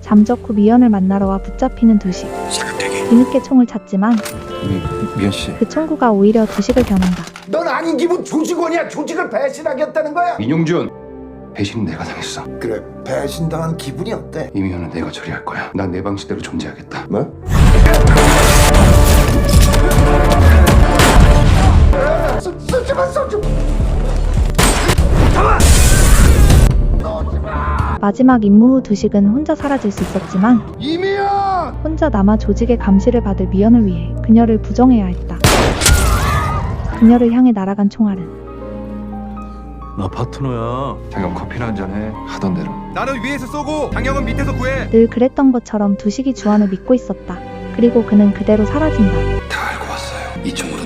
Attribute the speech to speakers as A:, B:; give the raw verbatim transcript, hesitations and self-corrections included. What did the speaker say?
A: 잠적 후 미연을 만나러 와 붙잡히는 두식. 뒤늦게 총을 찾지만
B: 미, 미연씨,
A: 그 총구가 오히려 두식을 겨눈다.
C: 넌 아닌 기분 조직원이야. 조직을 배신하겠다는 거야.
B: 민용준, 배신은 내가 당했어.
C: 그래, 배신당한 기분이 어때?
B: 이미연은 내가 처리할 거야. 난 내 방식대로 존재하겠다.
C: 뭐? 쏘지마, 쏘지마.
A: 마지막 임무 후 두식은 혼자 사라질 수 있었지만
C: 이미연!
A: 혼자 남아 조직의 감시를 받을 미연을 위해 그녀를 부정해야 했다. 그녀를 향해 날아간 총알은
D: 나 파트너야.
B: 잠깐 커피나 한잔해. 하던 대로.
D: 나는 위에서 쏘고 장영은 밑에서 구해.
A: 늘 그랬던 것처럼 두식이 주안을 믿고 있었다. 그리고 그는 그대로 사라진다.
B: 다 알고 왔어요. 이 총으로